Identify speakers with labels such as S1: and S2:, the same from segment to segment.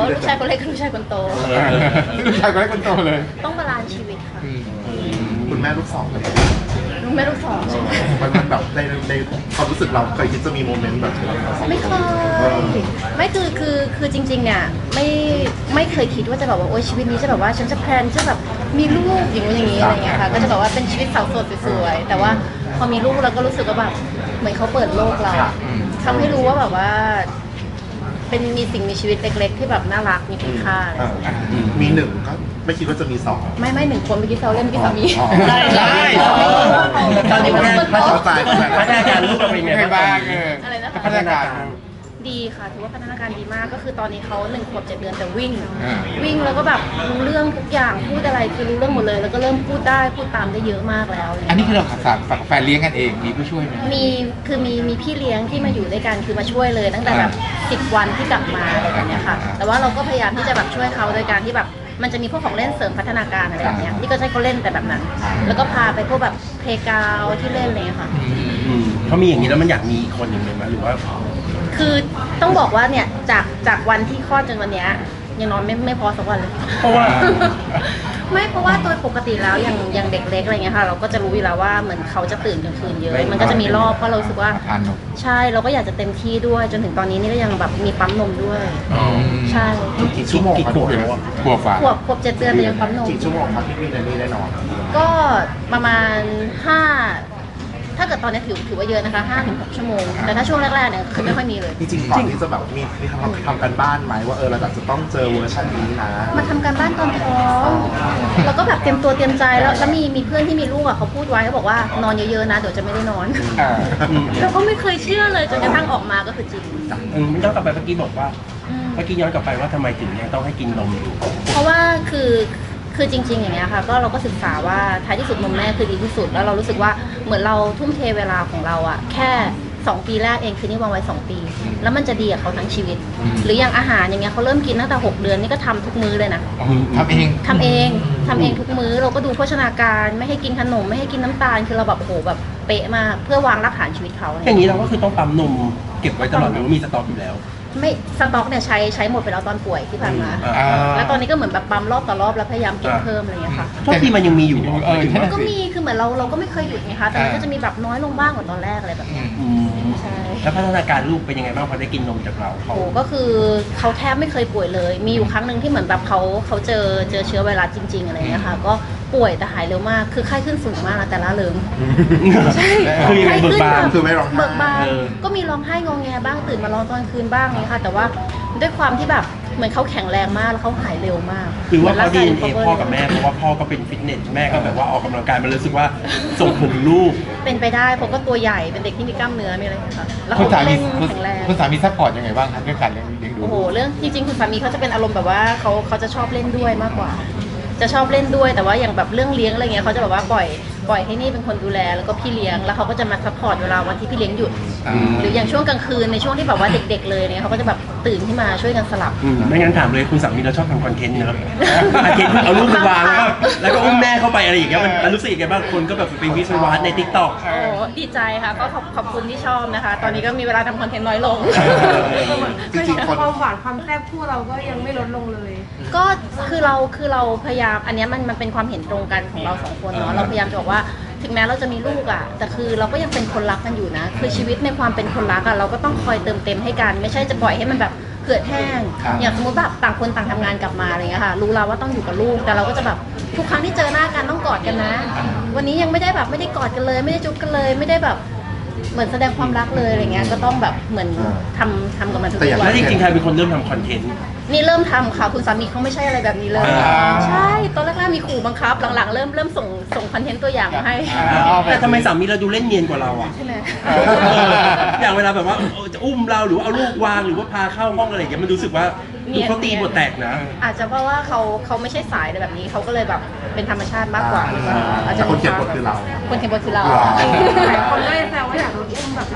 S1: ลูกชายคนเล็กกับลูกชายคนโต
S2: ลูกชายคนเล็กคนโตเลย
S1: ต้องบาลานซ์ชีวิตค่ะ
S3: คุณแม่ลูกสองเลย
S1: ลูกแม่ลูกสองใช่ไหม
S3: มันแบบในความรู้สึกเราเคยคิดจะมีโมเมนต์แบบนี้ไหม
S1: ไม่เคยไม่คือจริงๆเนี่ยไม่เคยคิดว่าจะแบบว่าโอ๊ยชีวิตนี้จะแบบว่าฉันจะแพลนจะแบบมีลูกอย่างนู้นอย่างนี้อะไรเงี้ยค่ะก็จะแบบว่าเป็นชีวิตสาวโสดสวยๆแต่ว่าพอมีลูกเราก็รู้สึกว่าแบบเหมือนเขาเปิดโลกเราทำให้รู้ว่าแบบว่าเป็นมีสิ่งมีชีวิตเล็กๆที่แบบน่ารักมีคุณค่าอะไรอย่างเงี้ย
S3: มีหนึ่งก็ไม่คิดว่าจะมีสอง
S1: ไม่หนึ่งคนเมื่อกี้เราเล่นเมื่อกี้สามี
S4: ใช่ตอนนี้แม่พัฒนาการลูกเราเป็นไง
S2: ไงบ้าง
S1: อะไรนะคะ
S2: พัฒนาการ
S1: ดีค่ะถือว่าพัฒนาการดีมากก็คือตอนนี้เขา1 ขวบ 7 เดือนแต่วิ่ง
S2: อ่า
S1: วิ่งแล้วก็แบบรู้เรื่องทุกอย่างพูดอะไรคือรู้เรื่องหมดเลย แล้วก็เริ่มพูดได้พูดตามได้เยอะมากแล้ว
S2: อันนี้คือเราฝากแฟนเลี้ยงกันเองมีผู้ช่วยไหม
S1: มีพี่เลี้ยงที่มาอยู่ด้วยกันคือมาช่วยเลย ตั้งแต่แบบ10 วันที่กลับมาอะไรแบบเนี้ยค่ะ แต่ว่าเราก็พยายามที่จะแบบช่วยเขาโดยการที่แบบมันจะมีพวกของเล่นเสริมพัฒนาการอะไรแบบเนี้ยนี่ก็ใช้เขาเล่นแต่แบบนั้น แล้วก็พาไปพวกแบบเพลย์กราวด์ที่เล่นอะไรเลยค่ะ
S4: เขามีอย่างนี้แล้วมันอยากมีอีกคนหนึ่งเลยไหมหรือว่า
S1: คือต้องบอกว่าเนี่ยจากวันที่คลอดจนวันเนี้ยยังนอนไม่พอสักวันเลย
S4: เพราะว่า
S1: ไม่เพราะว่าโดยปกติแล้วอย่างเด็กเล็กอะไรเงี้ยค่ะเราก็จะรู้อยู่แล้วว่าเหมือนเขาจะตื่นกลางคืนเยอะมันก็จะมีรอบเพราะเรารู้สึกว่า
S2: ทานนม
S1: ใช่เราก็อยากจะเต็มที่ด้วยจนถึงตอนนี้นี่ก็ยังแบบมีปั๊มนมด้วย ใช่
S3: กี่ชั่วโมงครับ
S2: ขวบฝ่า
S1: ขวบ7 เดือนแต่ยังปั๊มนม
S3: กี่ชั่วโมงครับที่มีในนี้ได้นอน
S1: ก็ประมาณ5ถ้าเกิดตอนนี้ถือว่าเยอะนะคะ5 ถึง 6 ชั่วโมงแต่ถ้าช่วงแรกๆเนี่ยคือไม่ค่อยมีเลย
S3: จริงๆก่อนที่จะแบบมีทำกันบ้านไหมว่าเราจะต้องเจอเวอร์ชันนี้นะ
S1: มาทำการบ้านตอนท้องแล้วก็แบบเตรียมตัวเตรียมใจแล้วมีเพื่อนที่มีลูกอ่ะเขาพูดไว้เขาบอกว่านอนเยอะๆนะเดี๋ยวจะไม่ได้นอน เราก็ไม่เคยเชื่อเลยจนกระทั่งออกมาก็คือจริง
S4: ย้อนกลับไปเมื่อกี้บอกว่า
S1: อืม
S4: เมื่อกี้ย้อนกลับไปว่าทำไมถึงยังต้องให้กินนมอยู่
S1: เพราะว่าคือจริงๆอย่างเงี้ยค่ะก็เราก็ศึกษาว่าท้ายที่สุดนมแม่คือดีที่สุดแล้วเรารู้สึกว่าเหมือนเราทุ่มเทเวลาของเราอะแค่2 ปีแรกเองคือนี่วางไว้2 ปี แล้วมันจะดีกับเขาทั้งชีวิต หรืออย่างอาหารอย่างเงี้ยเขาเริ่มกินตั้งแต่6 เดือนนี่ก็ทำทุกมื้อเลยนะ
S2: ทำเอง
S1: ทำเองทุกมื้อเราก็ดูโภชนาการไม่ให้กินขนมไม่ให้กินน้ำตาลคือเราแบบโหแบบเป๊ะมากเพื่อวางรากฐานชีวิตเขา
S4: อย่างนี้เราก็คือต้องปั๊มนมเก็บไว้ตลอดหรือว่ามีสต็อกอยู่แล้ว
S1: ไม่สต็อกเนี่ยใช้หมดไปแล้วตอนป่วยที่ผ่านมา แล้วตอนนี้ก็เหมือนแบบปั๊มรอบต่อรอบแล้วพยายามกินเพิ่มอะไรอย่างเงี้ยค่ะ
S4: โทษทีมันยังมีอยู่
S1: ก็มีคือเหมือนเราก็ไม่เคยหยุดไงคะแต่มันก็จะมีแบบน้อยลงบ้างกว่าตอนแรกอะไรแบบเนี้ย ใช่
S4: แล้วพัฒนาการลูกเป็นยังไงบ้างพอได้กินนมจากเรา
S1: โอ้ก็คือเขาแทบไม่เคยป่วยเลย มีอยู่ครั้งหนึ่งที่เหมือนแบบเขาเจอเชื้อไวรัสจริงๆอะไรอย่างเงี้ยค่ะก็ป่วยแต่หายเร็วมากคือไข้ขึ้นสูงมากนะแต่ละเริงใช่
S4: คือยังไงเบิกบาน
S3: คือไม่ร้องไห้
S1: เบิกบานก็มีร้องไห้งอแงบ้างตื่นมาร้องตอนคืนบ้างนี่ค่ะแต่ว่าด้วยความที่แบบเหมือนเขาแข็งแรงมากแล้วเขาหายเร็วมาก
S4: หรือว่าเขาดี
S1: หมื
S4: เอ
S1: ร่งกย
S4: พ่อกับแม่เพราะว่าพ่อก็เป็นฟิตเนสแม่ก็แบบว่าออกกำลังกายมันรู้สึกว่าส่งผลถึงลูก
S1: เป็นไปได้เพราะก็ตัวใหญ่เป็นเด็กที่มีกล้ามเนื้อมีอะไรอย่างเงี้ยค่ะแล้ว
S2: คุณ
S1: เขา
S2: สา
S1: ก็
S2: มี
S1: เล่นแข็งแรง
S2: คุณสามีซัพพอร์ตยังไงบ้างครับเรื่องการเลี้ยงดู
S1: โอ้โหเรื่องจริงๆคุณสามีเขาจะเป็นอารมณ์แบบว่าเขาจะชอบเล่นด้วยมากกว่า จะชอบเล่นด้วยแต่ว่าอย่างแบบเรื่องเลี้ยงอะไรเงี้ยเขาจะแบบว่าปล่อยให้นี่เป็นคนดูแลแล้วก็พี่เลี้ยงแล้วเขาก็จะมาซัพพอร์ตเวลาวันที่พี่เลี้ยงหยุด หรืออย่างช่วงกลางคืนในช่วงที่แบบว่าเด็กๆเลยเนี่ยเขาก็จะแบบตื่นขึ้นมาช่วยกันสลับ
S4: ไม่งั้นถามเลยคุณสามีเราชอบทำคอนเทนต์นะครับคอนเทนต์เอาลูกไปวางแล้วก็อุ้มแม่เข้าไปอะไรอย่างเงี้ยมันรู้สึกยังไงบ้างคนก็แบบไปวิสวัสในทิกตอก
S1: โอ้ดีใจค่ะก็ขอบคุณที่ชอบนะคะ ตอนนี้ก็มีเวลาทำคอนเทนต์น้อยลง
S3: จริงๆคน
S5: ความหวานความแซ่บคู่เราก็ยังไม่ลดลงเลย
S1: ก็คือเราพยายามอันเนี้ยมันเป็นความเห็นตรงกันของเราสองคนเนาะเราพยายามจะบอกว่าถึงแม้เราจะมีลูกอ่ะแต่คือเราก็ยังเป็นคนรักกันอยู่นะคือชีวิตในความเป็นคนรักอ่ะเราก็ต้องคอยเติมเต็มให้กันไม่ใช่จะปล่อยให้มันแบบเหือดแห้งอย่างสมมติแบบต่างคนต่างทำงานกลับมาอะไรเงี้ยค่ะรู้แล้วว่าต้องอยู่กับลูกแต่เราก็จะแบบทุกครั้งที่เจอหน้ากันต้องกอดกันนะ วันนี้ยังไม่ได้แบบไม่ได้กอดกันเลย ไม่ได้จุ๊บกันเลยไม่ได้แบบเหมือนแสดงความรักเลยอะไรเงี้ยก็ต้องแบบเหมือนทำกับมันทุก
S3: แต่อย่าง
S1: วั
S4: แล้
S1: น
S4: วจริงๆใครเป็นคนเริ่มทำคอนเทนต์
S1: นี่เริ่มทำค่ะคุณสามีเขาไม่ใช่อะไรแบบนี้เลย ใช่ตอนแรกๆมีขู่บังคับหลังๆเริ่มส่งคอนเทนต์ตัวอย่างมาให้
S4: แต่ทำไมสามีเราดูเล่นเนียนกว่าเราอ่ะ
S1: ใช่ไหม
S4: อย่างเวลาแบบว่าจะอุ้มเราหรือเอาลูกวางหรือว่าพาเข้าห้องอะไรอย่างเงี้ยมันรู้สึกว่าดูเขาตีบทแตกนะ
S1: อาจจะเพราะว่าเขาไม่ใช่สายอะไรแบบนี้เขาก็เลยแบบเป็นธรรมชาติมากกว่าหรือเปล่าอาจจะ
S3: แต่คนเขียนบทคือเรา
S1: คนเขียนบทคือเรา
S5: หลายคนก็เลยแซวว่าอยากโดนอุ้มแบบเรา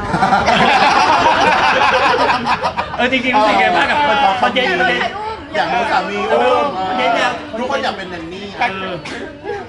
S4: จริงๆรู้สึกไงบ้างกับคอนเทนต์
S3: อยากโดนสามีอุ้ม
S4: คอนเทนต์เนี่ย
S3: ทุกคนอยากเป็นแนนนี่
S1: ไ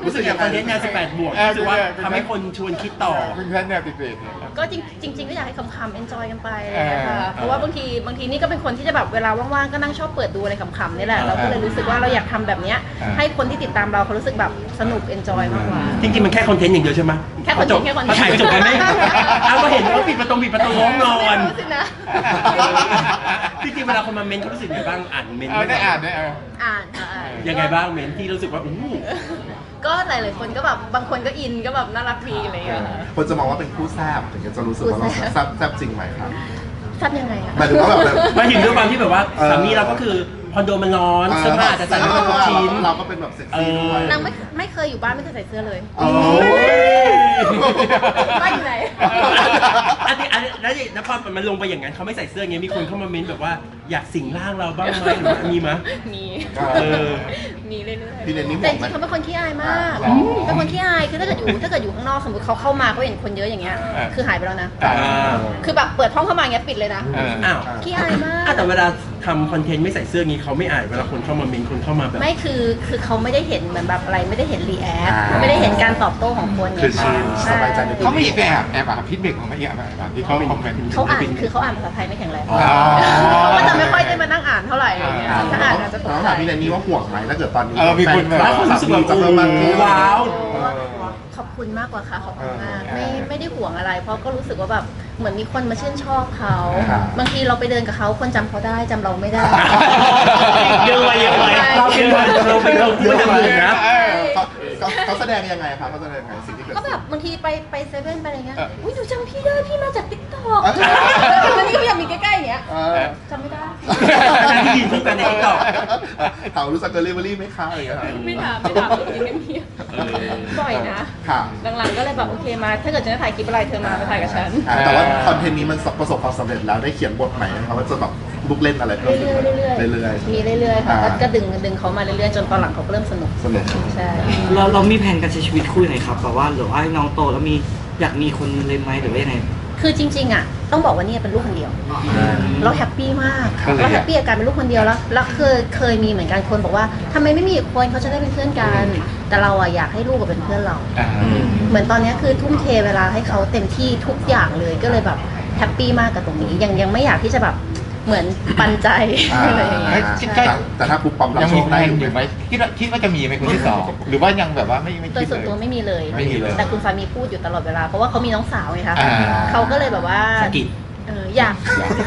S4: รู้สึกอย่างคอนเทนต์งาน18 บวกรู้สึกว่าทำให้คนชวนคิดต่อ
S2: เป็นแฟนแนวติดเบรกเนี่ย
S1: ก็จริงๆก็อยากให้คำๆ enjoy กันไปอะไรอย่างเงี้ยค่ะเพราะว่าบางทีนี่ก็เป็นคนที่จะแบบเวลาว่างๆก็นั่งชอบเปิดดูอะไรขำๆนี่แหละเราก็เลยรู้สึกว่าเราอยากทำแบบเนี้ยให้คนที่ติดตามเราเขารู้สึกแบบสนุก enjoy มากกว่า
S4: จริงๆมันแค่คอนเทนต์อย่างเดียวใช่ไหม
S1: แค่คอนเทนต์แค่คอนเทนต์
S4: ถ่ายจบกันไหมเอาก็เห็นว่าปิดประตูห้องนอน
S1: รู้สึกนะ
S4: จริงๆเวลาคนมาเมนต์เขารู้สึกยังไงบ้างอ่านเมนต์
S2: ได้อ่านได้
S1: อ่านค่ะอ่าน
S4: ยังไงบ้างเมนต์ที่รู้สึกว่าอู้
S1: ก็หลายๆคนก็แบบบางคนก็อินก็แบบน่ารักดีอะไรอย่างเงี้ยค่ะ
S3: คนจะมองว่าเป็นคู่แซ่บถึงจะรู้สึกว่าเราแซ่บจริงไหมครับ
S1: ทราบยังไงอะ
S3: หมายถึงว่าแบบ
S4: หมายถึงด้วยความที่แบบว่าสามีเราก็คือคอนโดมันร้อนเสื้อผ้าจะใส่ไม่ครบทุกชิ้น
S3: เราก็เป็นแบบเซ็กซี่ด้วย
S1: นางไม่เคยอยู่บ้านไม่เคยใส่เสื้อเลย
S3: โอ้ย
S1: บ้านอยู่ไหน
S4: อันนี้แล้วนครมันลงไปอย่างนั้นเขาไม่ใส่เสื้อไงมีคนเข้ามาเม้นแบบว่าอยากสิงร่างเราบ้างไหมหรือว่ามีมั้ย
S1: มี
S4: เออ
S1: มีเรื่อยๆ
S3: พี่เนนนี่
S1: แต่
S3: ห่วง
S1: จ
S3: ไหม
S1: ริงๆเขาเป็นคนขี้อายมาก
S3: อ๋อ
S1: เป็นคนขี้อาย คือถ้าเกิดอยู่ข้างนอกสมมติเขาเข้ามาเขาเห็นคนเยอะอย่างเงี้ย คือหายไปแล้วนะ คือแบบเปิดห้องเข้ามาอย่างเงี้ยปิดเลยนะ
S4: อ้าว
S1: ขี้อายมาก
S4: แต่เวลาทำคอนเทนต์ไม่ใส่เสื้องี้เขาไม่อายเวลาคนเข้ามาเม้นคนเข้ามาแบบ
S1: ไม่คือเขาไม่ได้เห็นเหมือนแบบอะไรไม่ได้เห็นรีแอคไม่ได้เห็นการตอบโต้ของคนไง
S3: คือชินสบายใจในตัว
S2: เขาไม่ไปแอบพิดเบรกของไม่แอบที่เขาคอมเมนต์
S1: เขาอ่านคือเขาอ่านภาษาไทยไม่แข็งแรง
S3: อ๋อ
S1: เขาก็จะไม่ค่อยได้มานั่งอ่านเท่าไหร่อะไรเงี้ยถ้าอ่านอาจจะตก
S3: น้อง
S1: ใจ
S3: ถามพี่เนนนี่ว่าห่วงไหมถ้าเกิดตอนนี้
S2: มีคนแบบ
S4: แล้วคนรู้สึกแบบ
S3: จะเพิ่มมากขึ้น
S4: ว้าว
S1: ขอบคุณมากกว่าค่ะขอบคุณมากไม่ได้ห่วงอะไร เพราะก็รู้สึกว่าแบบเหมือนมีคนมาชื่นชอบเขาบางทีเราไปเดินกับเขาคนจำเขาได้จำเราไม่ได้
S4: เยอะเลยเราเป็นเราควรจะมึงนะ
S3: เขาแสดงยังไงครับเขาแสดงยังไงสิ่งที่เกิด
S1: ก็แบบบางทีไปเซเว่นไปอะไรเงี้ยอุ้ยหนูจำพี่ได้พี่มาจากติ๊กต็อก
S3: เออ
S1: แล้วนี่ก็อยากมีใกล้ๆอย่างเงี้ย
S3: เออ
S1: จำไม่ได้
S4: ที่ยืนคู่กันใน TikTok
S3: ถามรู้จักเดลิเวอรี่ไหมคะอะไรอย่างเงี้ยครับ
S1: ไม่ถามกินเงียบๆบ่อยนะ
S3: ค่ะ
S1: หลังๆก็เลยแบบโอเคมา ถ้าเกิดจะถ่ายคลิปอะไรเธอมาถ่ายกับฉัน
S3: แต่ว่าคอนเทนต์นี้มันประสบความสำเร็จแล้วได้เขียนบทใหม่ไหมครับว่าจะแบบลุกเล่นอะไรเพิ่ม
S1: เรื่อยๆ
S3: เรื่อย
S1: มีเรื่อยๆค่ะ
S3: อ่า
S1: ก็ดึงเขามาเรื่อยๆจนตอนหลังเขาก็เริ่มสนุก
S3: ๆสนุก
S1: ใช่
S6: เรามีแผนการใช้ชีวิตคู่ยังไงครับแบบว่าหรือว่าให้น้องโตแล้วมีอยากมีคนเลยไหมหรือว่ายังไง
S1: คือจริงๆอ่ะต้องบอกว่าเนี่ยเป็นลูกคนเดียว เราแฮปปี้มาก
S2: ก็เลย
S1: เราแฮปปี้กับการเป็นลูกคนเดียวแล้วเคยมีเหมือนกันคนบอกว่าทำไมไม่มีอีกคนเขาจะได้เป็นเพื่อนกัน แต่เราอะอยากให้ลูกกับเป็นเพื่อนเรา เหมือนตอนเนี้ยคือทุ่มเทเวลาให้เขาเต็มที่ทุกอย่างเลยก็เลยแบบแฮปปี้มากกับตรงนี้ยังไม่อยากที่จะแบบเหมือนปันใจอะไรอย่างเงี้ย
S3: แต่ถ้าปุ๊บปั๊มรับ
S2: ยัง
S3: โช
S2: มี
S3: ค
S2: แพล
S3: ได้
S2: นอยู่ไหมคิดว่าจะมีไหมคนที่สองหรือว่ายังแบบว่าไม่
S1: โด
S2: คิ
S1: ย
S2: ด
S1: ส่วน
S2: เล
S1: ตัวยไม่มีเลย
S2: ไม่มีเลย
S1: แต่คุณสามีพูดอยู่ตลอดเวลาเพราะว่าเขามีน้องสาวไงคะ
S2: อ่า
S1: เขาก็เลยแบบว่า
S4: สะกิด
S1: อยาก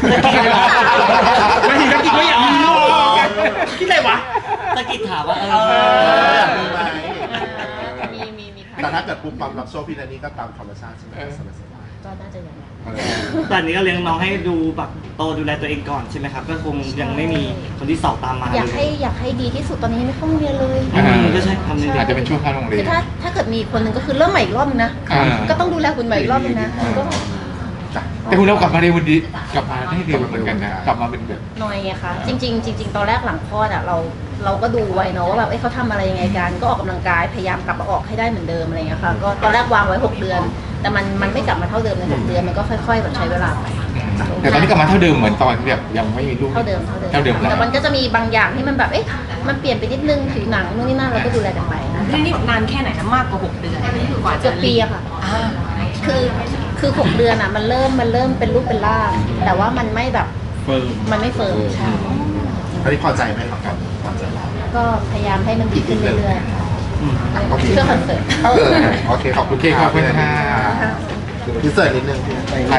S4: ไม่ถึงกับกินก็อยากมีลูกคิดอะไรวะ
S6: ตะกิดถามว่า
S3: มีไหม
S1: มีค่ะ
S3: แต่ถ้าเกิดปุ๊บปั๊มรับโชคพี่นันนี่ก็ตามธรรมชาติใช่ไหมสบาย
S1: ก็น่าจะอย่างนั้น
S3: ๆ
S6: ตอนนี้ก็เลี้ยงน้องให้ดูแบบโตดูแลตัวเองก่อนใช่ไหมครับก็คงยังไม่มีคนที่สอบตามมา
S1: อยากให้ดีที่สุดตอนนี้ยังไม่เข้าโรงเรียนเลย
S6: ก็ใช่ทำหนึ่ง
S2: อาจจะเป็นช่วงเข้าโรงเรี
S1: คื
S2: ย
S1: อน ถ้าเกิดมีคนหนึ่งก็คือเริ่มใหม่อีกรอบนึงนะ
S2: อ่า
S1: ก็ต้องดูแลคุณใหม่อีกรอบนึงนะก็
S2: แต่คุณเรากลับมาเร็วดีกลับมาได้เร็วเหมือนกันนะกลับมาเป็นแบบ
S1: หน่อยไงคะจริง ๆ ตอนแรกหลังคลอดอ่ะเราก็ดูไว้เนาะว่าแบบเขาทำอะไรยังไงกันก็ออกกำลังกายพยายามกลับมาออกให้ได้เหมือนเดิมอะไรเงี้ยค่ะก็ตอนแรกวางไว้ 6 เดือน แต่มันไม่กลับมาเท่าเดิมใน6 เดือนมันก็ค่อยๆแบบใช้เวลาไป
S2: แต่ตอนนี้กลับมาเท่าเดิมเหมือนตอนที่แบบยังไม่มีลูก
S1: เท่าเดิม แต่มันก็จะมีบางอย่างที่มันแบบมันเปลี่ยนไปนิดนึงผิวหนังนู่นนี่นั่นเราก็ดูแลกันไปนะ
S5: นี่นานแค่ไหนนะมากกว่า 6 เดือนกว่า
S1: เกื
S5: จะ
S1: อบปีอะค่ะคือ6 เดือนอะมันเริ่มเป็นรูปเป็นร่างแต่ว่ามันไม่แบบ
S4: เฟิร์ม
S1: มันไม่เฟิร์มใช่
S3: อันนี้พอใจไหมครับกันพอใจไหม
S1: ก็พยายามให้มันดีขึ้นเรื่อยๆค่ะ
S3: โอเค
S1: เพื่อคอนเสิร์ต
S3: โอเคขอบคุณ
S2: โอเคขอบคุณค่ะ
S3: พิเศษนิดนึง